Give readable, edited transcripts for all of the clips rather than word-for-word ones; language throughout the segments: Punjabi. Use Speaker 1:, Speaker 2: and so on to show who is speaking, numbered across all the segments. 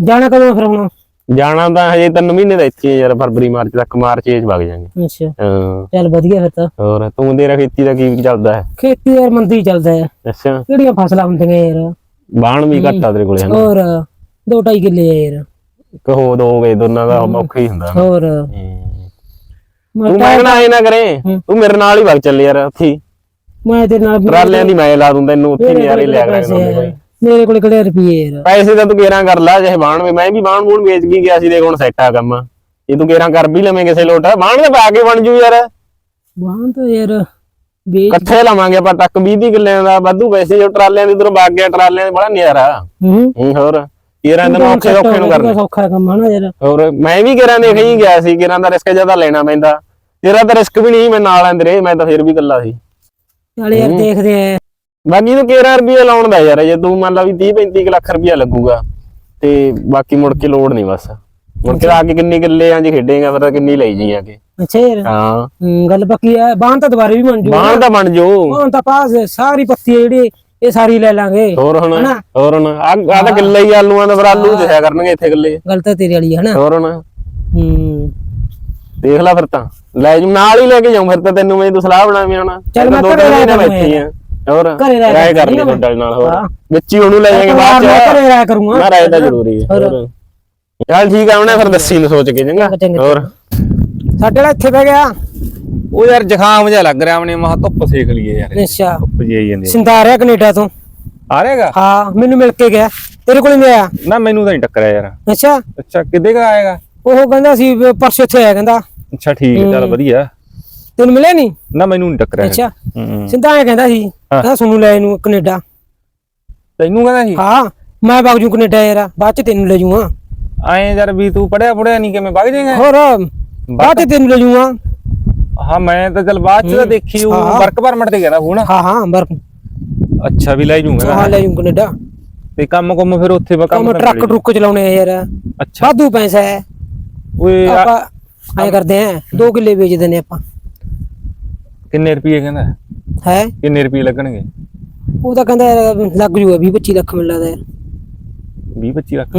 Speaker 1: ਜਾਣਾ ਕਦੋਂ ਫਿਰ ਹੁਣ?
Speaker 2: ਜਾਣਾ ਤਾਂ ਹਜੇ 3 ਮਹੀਨੇ ਦਾ ਇੱਥੇ ਯਾਰ, ਫਰਵਰੀ ਮਾਰਚ ਤੱਕ, ਮਾਰਚ ਚ ਵਗ ਜਾਾਂਗੇ।
Speaker 1: ਅੱਛਾ
Speaker 2: ਹਾਂ
Speaker 1: ਚੱਲ ਵਧੀਆ ਫਿਰ ਤਾਂ।
Speaker 2: ਹੋਰ ਤੂੰ ਤੇਰਾ ਖੇਤੀ ਦਾ ਕੀ ਚੱਲਦਾ ਹੈ?
Speaker 1: ਖੇਤੀ ਯਾਰ ਮੰਦੀ ਚੱਲਦਾ ਹੈ।
Speaker 2: ਅੱਛਾ
Speaker 1: ਕਿਹੜੀਆਂ ਫਸਲਾਂ ਹੁੰਦੀਆਂ ਯਾਰ?
Speaker 2: ਬਾਣ ਵੀ ਘੱਟ ਆ ਤੇਰੇ ਕੋਲੇ ਹਨਾ?
Speaker 1: ਹੋਰ 2-2.5 ਕਿੱਲੇ ਆ ਯਾਰ।
Speaker 2: ਕਹੋ ਦੋਗੇ ਦੋਨਾਂ ਦਾ ਔਖਾ ਹੀ ਹੁੰਦਾ।
Speaker 1: ਹੋਰ
Speaker 2: ਤੂੰ ਮੰਗਣਾ ਆਏ ਨਾ ਕਰੇ, ਤੂੰ ਮੇਰੇ ਨਾਲ ਹੀ ਵਗ ਚੱਲ ਯਾਰ ਉੱਥੇ।
Speaker 1: ਮੈਂ ਤੇਰੇ ਨਾਲ
Speaker 2: ਟਰਾਲਿਆਂ ਦੀ ਮੈਂ ਲਾ ਦੂੰ ਤੈਨੂੰ, ਉੱਥੇ ਨਜ਼ਾਰੇ ਲਿਆ ਕਰਾਂਗੇ।
Speaker 1: ਮੇਰੇ ਕੋਲ ਕਿਹੜੇ ਰੁਪਏ ਯਾਰ?
Speaker 2: ਪੈਸੇ ਤਾਂ ਤੂੰ ਕੇਰਾਂ ਕਰ ਲਾ, ਚਾਹੇ ਬਾਣ ਵੇ, ਮੈਂ ਵੀ ਬਾਣ ਬੂਣ ਵੇਚ ਕੇ ਗਿਆ ਸੀ, ਦੇਖ ਹੁਣ ਸੈੱਟ ਆ ਕੰਮ। ਇਹ ਤੂੰ ਕੇਰਾਂ ਕਰ ਵੀ ਲਵੇਂ ਕਿਸੇ ਲੋਟ, ਬਾਣ ਦੇ ਪਾ ਕੇ ਬਣ ਜੂ ਯਾਰ।
Speaker 1: ਬਾਣ ਤਾਂ ਯਾਰ
Speaker 2: ਇਕੱਠੇ ਲਵਾਂਗੇ ਆਪਾਂ ਟੱਕ 20 ਕਿੱਲਿਆਂ ਦਾ, ਵਾਧੂ ਪੈਸੇ। ਜੋ ਟਰਾਲਿਆਂ ਦੀ ਉਧਰੋਂ ਵਗ ਗਿਆ, ਟਰਾਲਿਆਂ ਦੇ ਬੜਾ ਨਜ਼ਾਰਾ। ਹੋਰ ਕੇਰਾਂ ਤੈਨੂੰ ਔਖੇ ਨੂੰ ਕਰਨਾ
Speaker 1: ਸੌਖਾ ਕੰਮ ਹਨਾ ਯਾਰ।
Speaker 2: ਹੋਰ ਮੈਂ ਵੀ ਕੇਰਾਂ ਦੇਖ ਹੀ ਗਿਆ ਸੀ, ਕੇਰਾਂ ਦਾ ਰਿਸਕ ਜ਼ਿਆਦਾ ਲੈਣਾ ਪੈਂਦਾ। ਤੇਰਾ ਤਾਂ ਰਿਸਕ ਵੀ ਨਹੀਂ, ਮੈਂ ਨਾਲ ਆਂ ਤੇਰੇ, ਮੈਂ ਤਾਂ ਫਿਰ ਵੀ ਇਕੱਲਾ ਸੀ।
Speaker 1: ਚੱਲ ਯਾਰ ਦੇਖਦੇ ਆ।
Speaker 2: ਬਾਕੀ ਤੂੰ 13 ਰੁਪਏ ਲਾਉਣ ਦਾ ਯਾਰ, ਜੇ ਤੂੰ ਮੰਨ ਲਾ ਵੀ 30-35 ਲੱਖ ਰੁਪਇਆ ਲੱਗੂਗਾ ਤੇ ਬਾਕੀ ਮੁੜ ਕੇ ਲੋੜ ਨਹੀਂ, ਬਸ ਮੁੜ ਕੇ ਆ ਕੇ ਕਿੰਨੀ ਕਿੱਲੇ ਆਂ ਜੇ ਖੇਡੇਗਾ ਫਿਰ ਕਿੰਨੀ ਲਈ ਜੀ ਆ ਕੇ।
Speaker 1: ਅੱਛਾ ਯਾਰ
Speaker 2: ਹਾਂ
Speaker 1: ਗੱਲ ਪੱਕੀ ਆ। ਬਾਣ ਤਾਂ ਦੁਬਾਰੇ ਵੀ ਬਣ ਜੂ।
Speaker 2: ਬਾਣ ਤਾਂ ਬਣ ਜੂ,
Speaker 1: ਬਾਣ ਤਾਂ ਪਾਸ ਸਾਰੀ ਪੱਤੀ ਜਿਹੜੀ ਇਹ ਸਾਰੀ ਲੈ ਲਾਂਗੇ।
Speaker 2: ਹੋਰ ਹੁਣ ਆ ਤਾਂ ਕਿੱਲੇ ਹੀ ਆਲੂਆਂ ਦਾ, ਫਿਰ ਆਲੂ ਦਿਖਿਆ ਕਰਨਗੇ ਇੱਥੇ ਕਿੱਲੇ।
Speaker 1: ਗੱਲ ਤਾਂ ਤੇਰੇ ਵਾਲੀ ਹੈ ਨਾ।
Speaker 2: ਹੋਰ ਹੁਣ ਦੇਖ ਲੈ ਫਿਰ ਤਾਂ ਲੈ ਜੂ, ਨਾਲ ਹੀ ਲੈ ਕੇ ਜਾਉਂ ਫਿਰ ਤਾਂ ਤੈਨੂੰ। ਮੈਂ ਤੂੰ ਸਲਾਹ ਬਣਾਵੀਂ ਹੁਣ।
Speaker 1: ਚੱਲ ਮੈਂ
Speaker 2: ਘਰੇ ਬੈਠੀ ਆ। ਹੋਰ ਰਾਏ ਕਰ ਲਈ ਤੁਹਾਡੇ ਨਾਲ। ਹੋਰ ਵਿੱਚ ਹੀ ਉਹਨੂੰ ਲੈ ਜਾਵਾਂਗੇ ਬਾਅਦ ਚ।
Speaker 1: ਘਰੇ ਰਾਇ ਕਰੂੰਗਾ
Speaker 2: ਨਾ, ਰਾਏ ਤਾਂ ਜ਼ਰੂਰੀ ਹੈ। ਚੱਲ ਠੀਕ ਆ, ਉਹਨੇ ਫਿਰ ਦੱਸੀ ਨੂੰ ਸੋਚ ਕੇ ਚੰਗਾ। ਹੋਰ
Speaker 1: ਸਾਡੇ ਵਾਲਾ ਇੱਥੇ ਬਹਿ ਗਿਆ।
Speaker 2: ਉਹ ਯਾਰ ਜ਼ੁਕਾਮ ਜਿਹਾ ਲੱਗ ਰਿਹਾ ਆਪਣੇ, ਮਹਾ ਧੁੱਪ ਸੇਕ ਲਈਏ ਯਾਰ।
Speaker 1: ਅੱਛਾ
Speaker 2: ਧੁੱਪ ਜੀ ਆਈ ਜਾਂਦੀ।
Speaker 1: ਸਿੰਦਾ ਆ ਰਿਹਾ ਕੈਨੇਡਾ ਤੋਂ।
Speaker 2: ਆ ਰਿਹਾਗਾ?
Speaker 1: ਹਾਂ ਮੈਨੂੰ ਮਿਲ ਕੇ ਗਿਆ। ਤੇਰੇ ਕੋਲ ਨਹੀਂ ਆਇਆ?
Speaker 2: ਨਾ ਮੈਨੂੰ ਤਾਂ ਨਹੀਂ ਟੱਕਰਿਆ ਯਾਰ।
Speaker 1: ਅੱਛਾ
Speaker 2: ਅੱਛਾ ਕਿੱਦੇ ਕਾ ਆਏਗਾ?
Speaker 1: ਉਹ ਕਹਿੰਦਾ ਸੀ ਪਰਸੋਂ ਇੱਥੇ ਆਇਆ ਕਹਿੰਦਾ।
Speaker 2: ਅੱਛਾ ਠੀਕ ਹੈ, ਚੱਲ ਵਧੀਆ।
Speaker 1: ਤੈਨੂੰ ਮਿਲਿਆ ਨਹੀਂ?
Speaker 2: ਨਾ ਮੈਨੂੰ ਨਹੀਂ ਟੱਕਰਿਆ।
Speaker 1: ਅੱਛਾ ਸਿੰਦਾ ਆਇਆ ਕਹਿੰਦਾ ਸੀ, ਕਹਿੰਦਾ ਸੁਣੂ ਲੈ ਇਹਨੂੰ ਕੈਨੇਡਾ।
Speaker 2: ਤੈਨੂੰ ਕਹਿੰਦਾ ਸੀ?
Speaker 1: ਹਾਂ ਮੈਂ ਵਗ ਜੂ ਕੈਨੇਡਾ ਯਾਰ, ਬਾਅਦ ਚ ਤੈਨੂੰ ਲੈ ਜੂਗਾ।
Speaker 2: ਆਏ ਯਾਰ ਵੀ ਤੂੰ ਪੜਿਆ ਨਹੀਂ, ਕਿਵੇਂ ਵਗ ਜਾਏਗਾ?
Speaker 1: ਹੋਰ ਬਾਅਦ ਚ ਤੈਨੂੰ ਲੈ ਜੂਗਾ।
Speaker 2: ਹਾਂ ਮੈਂ ਤਾਂ ਚੱਲ ਬਾਅਦ ਚ ਤਾਂ ਦੇਖੀ, ਉਹ ਵਰਕ ਪਰਮਿਟ ਤੇ ਗਿਆ ਹੁਣ।
Speaker 1: ਹਾਂ ਵਰਕ।
Speaker 2: ਅੱਛਾ ਵੀ ਲੈ ਜੂਗਾ?
Speaker 1: ਹਾਂ ਲੈ ਜੂ ਕੈਨੇਡਾ।
Speaker 2: ਤੇ ਕੰਮ ਫਿਰ ਉੱਥੇ
Speaker 1: ਕੰਮ ਟਰੱਕ ਟਰੁੱਕ ਚਲਾਉਣੇ ਆ ਯਾਰ।
Speaker 2: ਅੱਛਾ
Speaker 1: ਵਾਧੂ ਪੈਸਾ ਹੈ।
Speaker 2: ਓਏ
Speaker 1: ਆਪਾਂ ਐ ਕਰਦੇ ਆ 2 ਕਿੱਲੇ ਵੇਚ ਦਿੰਦੇ ਆਪਾਂ।
Speaker 2: ਕਿੰਨੇ ਰੁਪਏ ਕਹਿੰਦਾ
Speaker 1: ਹੈ?
Speaker 2: ਕਿੰਨੇ ਰੁਪਏ ਲੱਗਣਗੇ?
Speaker 1: ਉਹ ਤਾਂ ਕਹਿੰਦਾ ਲੱਗ ਜੂਗਾ 20-25 ਲੱਖ ਮਿਲ ਲੱਗਦਾ ਯਾਰ।
Speaker 2: 20-25 ਲੱਖ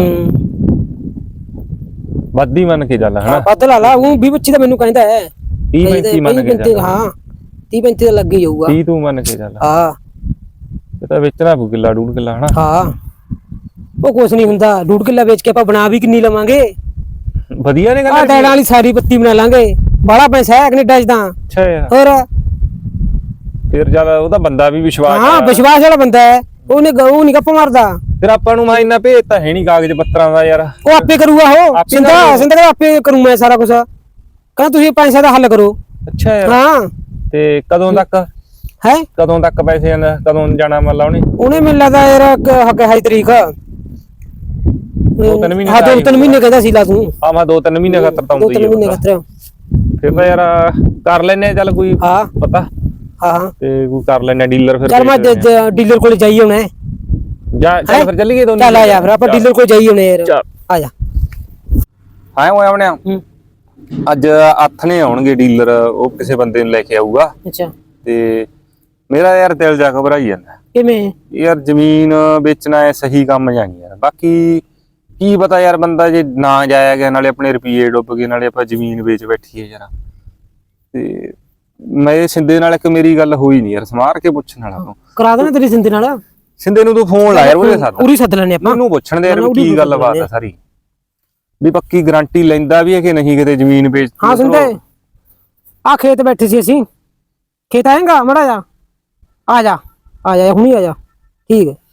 Speaker 2: ਵੱਧ ਹੀ ਮੰਨ ਕੇ ਚੱਲ ਹਨਾ।
Speaker 1: ਵੱਧ ਲਾ ਲਾ, ਉਹ 20-25 ਤਾਂ ਮੈਨੂੰ ਕਹਿੰਦਾ ਹੈ।
Speaker 2: 30-35 ਮੰਨ ਕੇ ਚੱਲ।
Speaker 1: ਹਾਂ 30-35 ਤਾਂ ਲੱਗ ਹੀ ਜਾਊਗਾ।
Speaker 2: 30 ਤੂੰ ਮੰਨ ਕੇ ਚੱਲ।
Speaker 1: ਹਾਂ
Speaker 2: ਇਹ ਤਾਂ ਵੇਚਣਾ ਪਊ ਕਿੱਲਾ 1.5 ਕਿੱਲਾ ਹਨਾ।
Speaker 1: ਹਾਂ ਉਹ ਕੁਛ ਨਹੀਂ ਹੁੰਦਾ, 1.5 ਕਿੱਲਾ ਵੇਚ ਕੇ ਆਪਾਂ ਬਣਾ ਵੀ ਕਿੰਨੀ ਲਵਾਂਗੇ।
Speaker 2: ਵਧੀਆ ਨੇ ਗੱਲ।
Speaker 1: ਡੈਡਾਂ ਵਾਲੀ ਸਾਰੀ ਪੱਤੀ ਬਣਾ ਲਾਂਗੇ, ਬੜਾ ਪੈਸਾ ਹੈ ਕੈਨੇਡਾ ਚ ਤਾਂ।
Speaker 2: ਅੱਛਾ ਯਾਰ
Speaker 1: ਹੋਰ
Speaker 2: ਫਿਰ ਜਿਆਦਾ ਉਹਦਾ ਬੰਦਾ ਵੀ ਵਿਸ਼ਵਾਸ।
Speaker 1: ਹਾਂ ਵਿਸ਼ਵਾਸ ਵਾਲਾ ਬੰਦਾ ਹੈ, ਉਹਨੇ ਉਹ ਨਹੀਂ ਗੱਪ ਮਾਰਦਾ।
Speaker 2: ਫਿਰ ਆਪਾਂ ਨੂੰ ਮੈਂ ਇੰਨਾ ਭੇਜ ਤਾਂ ਹੈ ਨਹੀਂ ਕਾਗਜ਼ ਪੱਤਰਾਂ ਦਾ ਯਾਰ।
Speaker 1: ਉਹ ਆਪੇ ਕਰੂਗਾ। ਉਹ ਸਿੰਦਾ ਆਪੇ ਕਰੂੰ ਮੈਂ ਸਾਰਾ ਕੁਝ। ਕਹਿੰਦਾ ਤੁਸੀਂ ਪੈਸੇ ਦਾ ਹੱਲ ਕਰੋ।
Speaker 2: ਅੱਛਾ ਯਾਰ
Speaker 1: ਹਾਂ
Speaker 2: ਤੇ ਕਦੋਂ ਤੱਕ
Speaker 1: ਹੈ?
Speaker 2: ਕਦੋਂ ਤੱਕ ਪੈਸੇ ਆਂਦਾ, ਕਦੋਂ ਜਾਣਾ ਮੱਲਾ ਉਹਨੇ
Speaker 1: ਮੈਨੂੰ ਲੱਗਦਾ ਯਾਰ 22 ਤਰੀਕ।
Speaker 2: 2-3 ਮਹੀਨੇ।
Speaker 1: ਹਾਂ 2-3 ਮਹੀਨੇ ਕਹਿੰਦਾ ਸੀ ਲਾ ਤੂੰ।
Speaker 2: ਹਾਂ ਮੈਂ 2-3 ਮਹੀਨੇ ਖਾਤਰ ਤਾਂ ਹੁੰਦਾ ਹੀ
Speaker 1: 2-3 ਮਹੀਨੇ ਖਾਤਰ।
Speaker 2: ਫਿਰ ਤਾਂ ਯਾਰ ਕਰ ਲੈਨੇ ਚੱਲ ਕੋਈ ਪਤਾ।
Speaker 1: ਹਾਂ
Speaker 2: ਤੇ ਕੋਈ ਕਰ ਲੈਨੇ ਡੀਲਰ। ਫਿਰ
Speaker 1: ਚੱਲ ਮੈਂ ਡੀਲਰ ਕੋਲ ਜਾਈ ਹੁਣ।
Speaker 2: ਚੱਲ ਫਿਰ ਚੱਲੀਏ ਦੋਨੋਂ।
Speaker 1: ਚੱਲ ਆ ਜਾ ਫਿਰ ਆਪਾਂ ਡੀਲਰ ਕੋਲ ਜਾਈ ਹੁਣ ਯਾਰ। ਆ ਜਾ।
Speaker 2: ਹਾਂ ਓਏ ਆਪਣੇ ਅੱਜ ਆਥਣੇ ਆਉਣਗੇ ਡੀਲਰ, ਉਹ ਕਿਸੇ ਬੰਦੇ ਨੂੰ ਲੈ ਕੇ ਆਊਗਾ।
Speaker 1: ਅੱਛਾ
Speaker 2: ਤੇ ਮੇਰਾ ਯਾਰ ਦਿਲ ਜਾ ਘਬਰਾਈ ਜਾਂਦਾ।
Speaker 1: ਕਿਵੇਂ
Speaker 2: ਯਾਰ ਜ਼ਮੀਨ ਵੇਚਣਾ ਹੈ ਸਹੀ ਕੰਮ ਜਾਣੀ ਯਾਰ। ਬਾਕੀ ਕੀ ਪਤਾ ਯਾਰ, ਬੰਦਾ ਜੇ ਨਾ ਜਾਇਆ ਗਿਆ, ਨਾਲੇ ਆਪਣੇ ਰੁਪਏ ਡੁੱਬ ਗਏ, ਨਾਲੇ ਆਪਾਂ ਜ਼ਮੀਨ ਵੇਚ ਬੈਠੀਏ ਯਾਰ। ਤੇ ਮੈਂ ਸਿੰਦੇ ਨਾਲ ਇੱਕ ਮੇਰੀ ਗੱਲ ਹੋਈ ਨਹੀਂ ਯਾਰ, ਸਮਾਰ ਕੇ ਪੁੱਛਣ ਵਾਲਾ ਤੂੰ
Speaker 1: ਕਰਾ ਦੇਣਾ ਤੇਰੀ ਸਿੰਦੇ ਨਾਲ।
Speaker 2: ਸਿੰਦੇ ਨੂੰ ਤੂੰ ਫੋਨ ਲਾ ਯਾਰ, ਉਹਦੇ ਸਾਥ
Speaker 1: ਪੂਰੀ ਸੱਦ ਲੈਣੇ ਆਪਾਂ।
Speaker 2: ਮੈਨੂੰ ਪੁੱਛਣ ਦੇ ਯਾਰ ਕੀ ਗੱਲਬਾਤ ਆ ਸਾਰੀ, ਵੀ ਪੱਕੀ ਗਾਰੰਟੀ ਲੈਂਦਾ ਵੀ ਹੈ ਕਿ ਨਹੀਂ ਕਿਤੇ ਜ਼ਮੀਨ ਵੇਚ।
Speaker 1: ਹਾਂ ਸਿੰਦੇ ਆ ਖੇਤ ਬੈਠੇ ਸੀ ਅਸੀਂ। ਖੇਤ ਆਏਗਾ ਮੜਾ ਜਾ। ਆ ਜਾ ਹੁਣੀ ਆ ਜਾ। ਠੀਕ ਹੈ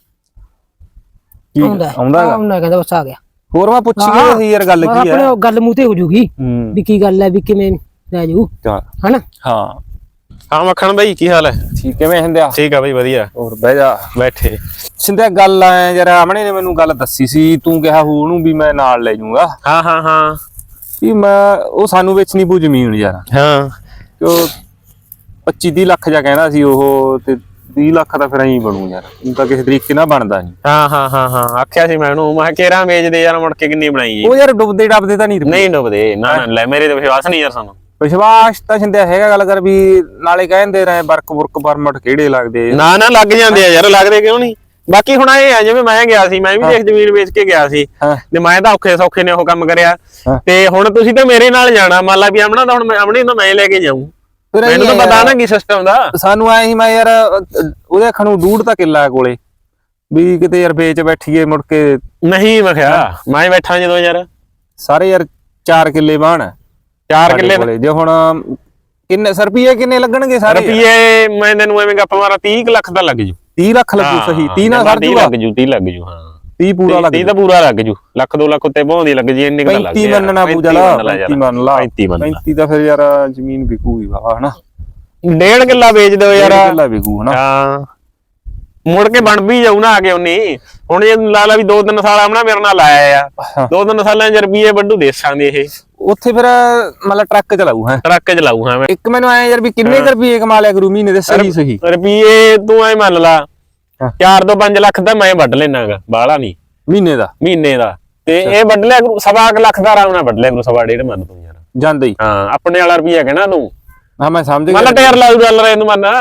Speaker 1: ਆਉਂਦਾ ਕਹਿੰਦਾ ਬਸ ਆ ਗਿਆ।
Speaker 2: ਹੋਰ ਮੈਂ ਪੁੱਛੀ ਸੀ ਯਾਰ ਗੱਲ ਕੀ ਹੈ।
Speaker 1: ਆਪਣੇ ਗੱਲ ਮੂੰਹ ਤੇ ਹੋ ਜੂਗੀ ਵੀ ਕੀ ਗੱਲ ਹੈ, ਵੀ ਕਿਵੇਂ ਲੈ ਜਾਊ ਹਨਾ।
Speaker 2: ਹਾਂ ਮੱਖਣ ਬਾਈ ਕੀ ਹਾਲ ਹੈ? ਠੀਕ ਕਿਵੇਂ ਹੁੰਦਿਆ? ਠੀਕ ਆ ਬਾਈ ਵਧੀਆ। ਹੋਰ ਬਹਿ ਜਾ। ਬੈਠੇ ਸਿੰਧਿਆ ਗੱਲ ਐ ਯਾਰ, ਆਮਣੇ ਨੇ ਮੈਨੂੰ ਗੱਲ ਦੱਸੀ ਸੀ, ਤੂੰ ਕਿਹਾ ਉਹਨੂੰ ਵੀ ਮੈਂ ਨਾਲ ਲੈ ਜਾਊਂਗਾ। ਹਾਂ ਵੀ ਮੈਂ ਉਹ ਸਾਨੂੰ ਵੇਚਣੀ ਪਊ ਜ਼ਮੀਨ ਯਾਰ। ਹਾਂ ਤੇ 25-30 ਲੱਖ ਜਾ ਕਹਿੰਦਾ ਸੀ ਉਹ, ਤੇ 30 ਲੱਖ ਤਾਂ ਫਿਰ ਐਂ ਬਣੂ ਯਾਰ, ਉਹ ਤਾਂ ਕਿਸੇ ਤਰੀਕੇ ਨਾਲ ਬਣਦਾ ਨਹੀਂ। ਹਾਂ ਆਖਿਆ ਸੀ ਮੈਂ ਉਹਨੂੰ, ਮੈਂ ਕੇਰਾਂ ਵੇਚਦੇ ਯਾਰ, ਮੁੜ ਕੇ ਕਿੰਨੀ ਬਣਾਈ ਉਹ ਯਾਰ। ਡੁੱਬਦੇ ਡੱਬਦੇ ਤਾਂ ਨਹੀਂ ਡੁੱਬਦੇ ਨਾ ਲੈ, ਮੇਰੇ ਤੇ ਵਿਸ਼ਵਾਸ ਨਹੀਂ ਯਾਰ ਸਾਨੂੰ। ਵਿਸ਼ਵਾਸ ਤਾਂ ਸਿੰਧਿਆ ਹੈਗਾ, ਗੱਲ ਕਰ ਵੀ ਨਾਲੇ ਕਹਿੰਦੇ ਰਹੇ ਵਰਕ ਪਰਮਿਟ ਕਿਹੜੇ ਲੱਗਦੇ। ਨਾ ਲੱਗ ਜਾਂਦੇ ਆ ਯਾਰ, ਲੱਗਦੇ ਕਿਉਂ ਨਹੀਂ? ਬਾਕੀ ਹੁਣ ਇਹ ਆ ਜਿਵੇਂ ਮੈਂ ਗਿਆ ਸੀ, ਮੈਂ ਵੀ ਦੇਖ ਜ਼ਮੀਨ ਵੇਚ ਕੇ ਗਿਆ ਸੀ ਤੇ ਮੈਂ ਤਾਂ ਔਖੇ ਸੌਖੇ ਨੇ ਉਹ ਕੰਮ ਕਰਿਆ ਤੇ ਹੁਣ ਤੁਸੀਂ ਤਾਂ ਮੇਰੇ ਨਾਲ ਜਾਣਾ। ਮੰਨ ਲਾ ਵੀ ਆਮਣਾ ਤਾਂ ਹੁਣ ਆਮਣੇ ਤਾਂ ਮੈਂ ਲੈ ਕੇ ਜਾਊਂ, ਮੈਨੂੰ ਤਾਂ ਪਤਾ ਨਾ ਕੀ ਸਿਸਟਮ ਦਾ।
Speaker 3: ਸਾਨੂੰ ਆਏ ਸੀ ਮੈਂ ਯਾਰ ਉਹਦੇ ਅੱਖਾਂ ਨੂੰ 2.5 ਤਾਂ ਕਿੱਲਾ ਕੋਲੇ ਵੀ ਕਿਤੇ ਯਾਰ ਵੇਚ ਬੈਠੀਏ ਮੁੜ ਕੇ
Speaker 2: ਨਹੀਂ। ਮੈਂ ਕਿਹਾ ਮੈਂ ਬੈਠਾ ਜਦੋਂ ਯਾਰ
Speaker 3: ਸਾਰੇ ਯਾਰ 4 ਕਿੱਲੇ ਬਾਣ
Speaker 2: 4 ਕਿੱਲੇ
Speaker 3: ਜੇ ਹੁਣ ਕਿੰਨੇ ਰੁਪਏ ਕਿੰਨੇ ਲੱਗਣਗੇ ਸਾਰੇ
Speaker 2: ਰੁਪਏ? ਮੈਂ ਤੈਨੂੰ ਐਵੇਂ ਗੱਪ ਮਾਰਾ 30 ਲੱਖ ਦਾ ਲੱਗ ਜੂ।
Speaker 3: 30 ਲੱਖ ਲੱਗੂ ਸਹੀ 30 ਨਾਲ ਸਰ ਜੂਗਾ।
Speaker 2: ਲੱਗ ਜੂ 30 ਲੱਗ ਜੂ। ਹਾਂ
Speaker 3: 30 ਪੂਰਾ ਲੱਗ
Speaker 2: 30 ਤਾਂ ਪੂਰਾ ਲੱਗ ਜੂ। ਲੱਖ 2 ਲੱਖ ਉੱਤੇ ਬਹੁੰਦੀ ਲੱਗ ਜੀ ਇੰਨੇ ਕ ਲੱਗ
Speaker 3: 35 ਮੰਨਣਾ ਪੂਜਾ ਲਾ 35 ਮੰਨ ਲਾ 35 ਤਾਂ ਫਿਰ ਯਾਰ ਜ਼ਮੀਨ ਵਿਕੂਗੀ ਵਾ ਹਨਾ।
Speaker 2: 1.5 ਕਿੱਲਾ ਵੇਚ ਦਿਓ ਯਾਰ।
Speaker 3: ਕਿੱਲਾ ਵਿਕੂ ਹਨਾ।
Speaker 2: ਹਾਂ ਮੁੜ ਕੇ ਬਣ ਵੀ ਜਾਊ ਨਾ ਆ ਕੇ ਉਨੀ। ਹੁਣ ਜੇ ਲਾ ਲਾ ਵੀ 2-3 ਸਾਲ ਆਮਣਾ ਮੇਰੇ ਨਾਲ ਆਇਆ ਆ 2-3 ਸਾਲਾਂ ਚ ਰੁਪਏ ਵੱਡੂ ਦੇਸਾਂ ਦੇ ਇਹ
Speaker 3: ਉੱਥੇ ਫਿਰ ਮਤਲਬ ਟਰੱਕ ਚਲਾਊ ਹੈ
Speaker 2: ਟਰੱਕ ਚਲਾਊ। ਹਾਂ
Speaker 3: ਇੱਕ ਮੈਨੂੰ ਆਇਆ ਯਾਰ ਵੀ ਕਿੰਨੇ ਰੁਪਏ ਕਮਾ ਲਿਆ ਕਰੂ ਮਹੀਨੇ ਦੇ ਸਹੀ
Speaker 2: ਰੁਪਏ ਤੂੰ ਐ ਮੰਨ ਲਾ 4 ਤੋਂ 5 ਲੱਖ ਤਾਂ ਮੈਂ ਵੱਢ ਲੈਣਾਗਾ ਬਾਹਲਾ ਨਹੀਂ ਮਹੀਨੇ ਦਾ ਤੇ ਇਹ ਵੱਢ ਲਿਆ ਕਰੂ 1.25 ਲੱਖ ਦਾ ਆਰਾਮ ਨਾਲ ਵੱਢ ਲਿਆ ਕਰੂ 1.5 ਮੰਨ ਤੂੰ ਯਾਰ
Speaker 3: ਜਾਂਦਾ ਹੀ।
Speaker 2: ਹਾਂ ਆਪਣੇ ਵਾਲਾ ਰੁਪਿਆ ਕਹਿਣਾ ਤੂੰ।
Speaker 3: ਹਾਂ ਮੈਂ ਸਮਝ ਗਿਆ।
Speaker 2: ਮੰਨ ਟਾਇਰ ਲਾਉ ਗੱਲ ਰੇ ਤੂੰ ਮੰਨ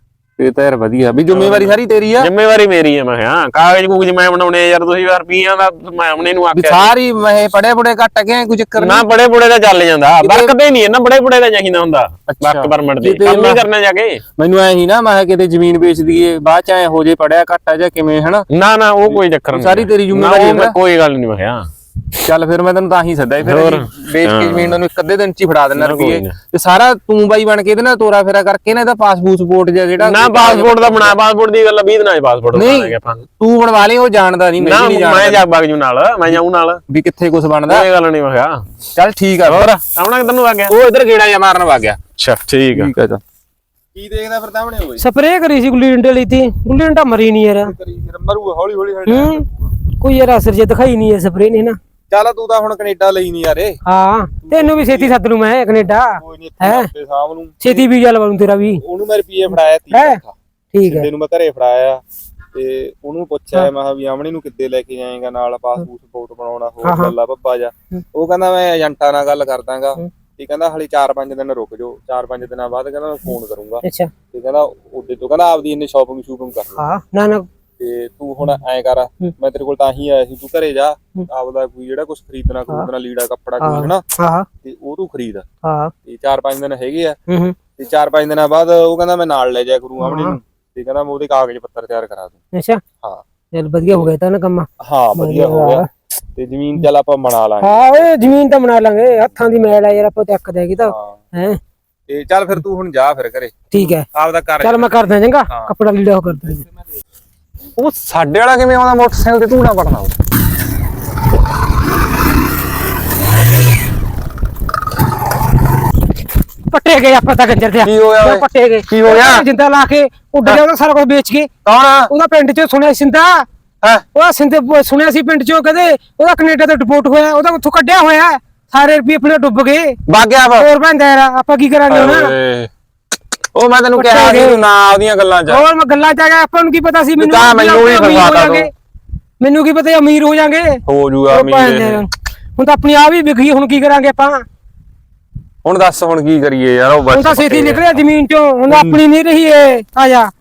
Speaker 3: ਇਹ ਤਾਂ ਯਾਰ ਵਧੀਆ ਵੀ ਜ਼ਿੰਮੇਵਾਰੀ ਸਾਰੀ ਤੇਰੀ ਆ।
Speaker 2: ਜ਼ਿੰਮੇਵਾਰੀ ਮੇਰੀ ਆ। ਮੈਂ ਹਾਂ ਕਾਗਜ਼ ਕੂਗਜ਼ ਮੈਂ ਬਣਾਉਣੇ ਯਾਰ ਤੁਸੀਂ ਰੁਪਈਆਂ ਦਾ ਮੈਂ ਆਮਣੇ ਨੂੰ ਆਖਿਆ
Speaker 3: ਸਾਰੀ ਮੈਂ ਪੜੇ ਪੁੜੇ ਘੱਟ ਗਿਆ ਕੋਈ ਚੱਕਰ
Speaker 2: ਨਾ ਬੜੇ ਬੁੜੇ ਦਾ ਚੱਲ ਜਾਂਦਾ ਵਰਕਦੇ ਨਹੀਂ ਇਹਨਾਂ ਬੜੇ ਬੁੜੇ ਦਾ ਚਾਹੀਦਾ ਹੁੰਦਾ ਵਰਕ ਪਰਮਿਟ ਦੇ ਕੰਮ ਹੀ ਕਰਨਾ ਜਾ ਕੇ।
Speaker 3: ਮੈਨੂੰ ਐ ਹੀ ਨਾ ਮੈਂ ਕਿਤੇ ਜ਼ਮੀਨ ਵੇਚ ਦਈਏ ਬਾਅਦ ਚ ਐ ਹੋ ਜੇ ਪੜਿਆ ਘੱਟ ਆ ਜਾਂ ਕਿਵੇਂ ਹਨਾ।
Speaker 2: ਨਾ ਉਹ ਕੋਈ ਚੱਕਰ ਨਹੀਂ
Speaker 3: ਸਾਰੀ ਤੇਰੀ ਜ਼ਿੰਮੇਵਾਰੀ
Speaker 2: ਕੋਈ ਗੱਲ ਨਹੀਂ। ਮੈਂ ਕਿਹਾ
Speaker 3: ਚੱਲ ਫਿਰ ਮੈਂ ਤੈਨੂੰ ਤਾਂ ਹੀ ਸੱਦਿਆ ਫਿਰ ਵੇਚ ਕੇ ਜ਼ਮੀਨ ਨੂੰ ਇੱਕ ਅੱਧੇ ਦਿਨ ਚ ਹੀ ਫੜਾ ਦੇਣਾ ਰੁਪਏ ਤੇ ਸਾਰਾ ਤੂੰ ਬਾਈ ਬਣ ਕੇ ਇਹਦੇ ਨਾਲ ਤੋਰਾ ਫੇਰਾ ਕਰਕੇ ਨਾ ਇਹਦਾ ਪਾਸਪੋਰਟ ਜਿਹੜਾ
Speaker 2: ਨਾ ਪਾਸਪੋਰਟ ਦਾ ਬਣਾ ਪਾਸਪੋਰਟ ਦੀ ਗੱਲ 20 ਦਿਨਾਂ ਚ ਪਾਸਪੋਰਟ ਬਣਾਵਾਂਗੇ ਆਪਾਂ।
Speaker 3: ਤੂੰ ਬਣਵਾ ਲਈ ਉਹ ਜਾਣਦਾ ਨਹੀਂ
Speaker 2: ਮੈਂ ਜਾ ਬਗ ਜੂ ਨਾਲ ਮੈਂ ਜਾਊਂ ਨਾਲ
Speaker 3: ਵੀ ਕਿੱਥੇ ਕੁਝ ਬਣਦਾ
Speaker 2: ਇਹ ਗੱਲ ਨਹੀਂ। ਮੈਂ ਕਿਹਾ
Speaker 3: ਚੱਲ ਠੀਕ ਆ।
Speaker 2: ਹੋਰ ਆਉਣਾ ਕਿੱਧਰ ਨੂੰ ਆ ਗਿਆ?
Speaker 3: ਉਹ ਇੱਧਰ ਗੇੜਾ ਜਾਂ ਮਾਰਨ ਵਗ ਗਿਆ।
Speaker 2: ਅੱਛਾ ਠੀਕ ਆ।
Speaker 3: ਚੱਲ ਕੀ ਦੇਖਦਾ ਫਿਰ ਤਾਹਮਣੇ ਹੋਏ
Speaker 1: ਸਪਰੇਅ ਕਰੀ ਸੀ ਗੁੱਲੀ ਡੰਡੇ ਲਈ ਤੀ ਗੁੱਲੀ ਡੰਡਾ ਮਰੀ ਨਹੀਂ ਯਾਰ।
Speaker 3: ਮਰੂ ਹੌਲੀ ਹੌਲੀ
Speaker 1: ਕੋਈ ਯਾਰ ਅਸਰ ਜੇ ਦਿਖਾਈ ਨਹੀਂ ਐ ਸਪਰੇਅ ਨੇ ਨਾ।
Speaker 3: ਚੱਲ ਤੂੰ ਤਾਂ ਹੁਣ ਕੈਨੇਡਾ ਲਈ ਨਹੀਂ ਯਾਰੇ।
Speaker 1: ਹਾਂ ਤੈਨੂੰ ਵੀ ਛੇਤੀ ਸੱਦ ਲੂ ਮੈਂ ਕੈਨੇਡਾ ਹੈ
Speaker 3: ਸ਼ਾਮ ਨੂੰ
Speaker 1: ਛੇਤੀ ਵੀ ਗੱਲ ਬਣੂ ਤੇਰਾ ਵੀ।
Speaker 3: ਉਹਨੂੰ ਮੈਂ ਰੁਪਏ ਫੜਾਇਆ 30 ਲੱਖ
Speaker 1: ਠੀਕ ਹੈ
Speaker 3: ਤੈਨੂੰ ਮੈਂ ਘਰੇ ਫੜਾਇਆ ਤੇ ਉਹਨੂੰ ਪੁੱਛਿਆ ਮੈਂ ਕਿਹਾ ਵੀ ਆਮਣੀ ਨੂੰ ਕਿੱਦੇ ਲੈ ਕੇ ਜਾਏਗਾ ਨਾਲ ਪਾਸਪੋਰਟ ਬਣਾਉਣਾ ਹੋਰ ਗੱਲਾਂ ਬੱਬਾ ਜਾ। ਉਹ ਕਹਿੰਦਾ ਮੈਂ ਏਜੰਟਾਂ ਨਾਲ ਗੱਲ ਕਰ ਦਾਂਗਾ ਤੇ ਕਹਿੰਦਾ ਹਾਲੇ 4-5 ਦਿਨ ਰੁਕ ਜਾਓ 4-5 ਦਿਨਾਂ ਬਾਅਦ ਕਹਿੰਦਾ ਮੈਂ ਫੋਨ ਕਰੂੰਗਾ।
Speaker 1: ਅੱਛਾ
Speaker 3: ਤੇ ਕਹਿੰਦਾ ਉਹਦੇ ਤੋਂ ਕਹਿੰਦਾ ਆਪਦੀ ਇੰਨੀ ਸ਼ਾਪਿੰਗ ਕਰ
Speaker 1: ਹਾਂ ਨਾ
Speaker 3: ਤੇ ਤੂੰ ਹੁਣ ਐਂ ਕਰ ਮੈਂ ਤੇਰੇ ਕੋਲ ਤਾਂ ਹੀ ਆਇਆ ਸੀ ਤੂੰ ਘਰੇ ਜਾ ਆਪਦਾ ਕੋਈ ਜਿਹੜਾ ਕੁਝ ਖਰੀਦਣਾ ਲੀੜਾ ਕੱਪੜਾ ਕੋਈ ਹਨਾ ਤੇ ਉਹ ਤੂੰ ਖਰੀਦ ਤੇ 4-5 ਦਿਨ ਹੈਗੇ ਆ ਤੇ 4-5 ਦਿਨਾਂ ਬਾਅਦ ਉਹ ਕਹਿੰਦਾ ਮੈਂ ਨਾਲ ਲੈ ਜਾਇਆ ਕਰੂੰ ਆਮਣੀ ਨੂੰ ਤੇ ਕਹਿੰਦਾ ਮੈਂ ਉਹਦੇ ਕਾਗਜ਼ ਪੱਤਰ ਤਿਆਰ ਕਰਾ ਦੂੰ।
Speaker 1: ਅੱਛਾ ਹਾਂ ਚੱਲ ਵਧੀਆ ਹੋ ਗਿਆ ਤਾਂ ਨਾ ਕੰਮ।
Speaker 3: ਹਾਂ ਵਧੀਆ ਹੋ ਗਿਆ ਤੇ ਜ਼ਮੀਨ ਚੱਲ ਆਪਾਂ ਬਣਾ ਲਾਂਗੇ।
Speaker 1: ਹਾਂ ਓਏ ਜ਼ਮੀਨ ਤਾਂ ਬਣਾ ਲਾਂਗੇ ਹੱਥਾਂ ਦੀ ਮੈਲ ਆ ਯਾਰ ਆਪਾਂ ਚੱਕ ਦੇਗੀ ਤਾਂ ਹੈ
Speaker 3: ਤੇ ਚੱਲ ਫਿਰ ਤੂੰ ਹੁਣ ਜਾ ਫਿਰ ਘਰੇ।
Speaker 1: ਠੀਕ ਹੈ
Speaker 3: ਆਪਦਾ ਕਰ
Speaker 1: ਚੱਲ ਮੈਂ ਕਰਦਾ ਚੰਗਾ ਕੱਪੜਾ ਲੀੜਾ ਉਹ ਕਰਦਾ।
Speaker 3: ਉਹ ਸਾਡੇ ਵਾਲਾ ਕਿਵੇਂ ਆਉਂਦਾ ਮੋਟਰਸਾਈਕਲ ਤੇ ਤੂੰ ਨਾ ਪੜਨਾ
Speaker 1: ਪੱਟੇ ਗਏ ਆਪਾਂ ਤਾਂ ਗੰਜਰ ਤੇ
Speaker 3: ਕੀ ਹੋਇਆ ਓਏ?
Speaker 1: ਪੱਟੇ ਗਏ
Speaker 3: ਕੀ ਹੋਇਆ?
Speaker 1: ਜਿੰਦਾ ਲਾ ਕੇ ਉੱਡ ਗਿਆ ਉਹਦਾ ਸਾਰਾ ਕੁਝ ਵੇਚ ਕੇ।
Speaker 3: ਕੌਣ ਆ?
Speaker 1: ਉਹਦਾ ਪਿੰਡ ਚੋਂ ਸੁਣਿਆ ਸਿੰਦਾ
Speaker 3: ਹੈ
Speaker 1: ਉਹਦਾ ਸਿੰਦੇ ਸੁਣਿਆ ਸੀ ਪਿੰਡ ਚੋਂ ਕਦੇ ਉਹਦਾ ਕੈਨੇਡਾ ਤੋਂ ਡਿਪੋਰਟ ਹੋਇਆ ਉਹਦਾ ਉੱਥੋਂ ਕੱਢਿਆ ਹੋਇਆ ਸਾਰੇ ਰੁਪਏ ਆਪਣੇ ਡੁੱਬ ਗਏ
Speaker 3: ਬਾਗਿਆ
Speaker 1: ਹੋਰ ਬੰਦਾ ਯਾਰ ਆਪਾਂ ਕੀ ਕਰਾਂਗੇ ਹੁਣ।
Speaker 3: ਉਹ ਮੈਂ ਤੈਨੂੰ ਕਿਹਾ ਸੀ ਨਾ ਉਹਦੀਆਂ ਗੱਲਾਂ ਚ
Speaker 1: ਹੋਰ ਮੈਂ ਗੱਲਾਂ ਚ ਆ ਗਿਆ ਆਪਾਂ ਨੂੰ ਕੀ ਪਤਾ ਸੀ ਮੈਨੂੰ
Speaker 3: ਵੀ ਫਸਾਤਾ ਤੂੰ।
Speaker 1: ਮੈਨੂੰ ਕੀ ਪਤਾ ਅਮੀਰ ਹੋ ਜਾਾਂਗੇ
Speaker 3: ਹੋ ਜੂਗਾ ਅਮੀਰ।
Speaker 1: ਹੁਣ ਤਾਂ ਆਪਣੀ ਆਪ ਹੀ ਵਿਕ ਗਈ ਹੁਣ ਕੀ ਕਰਾਂਗੇ ਆਪਾਂ।
Speaker 3: ਹੁਣ ਦੱਸ ਹੁਣ ਕੀ ਕਰੀਏ ਯਾਰ ਉਹ
Speaker 1: ਹੁਣ ਤਾਂ ਛੇਤੀ ਨਿਕਲਿਆ ਜ਼ਮੀਨ ਚੋਂ ਹੁਣ ਆਪਣੀ ਨਹੀਂ ਰਹੀ ਏ ਆ ਜਾ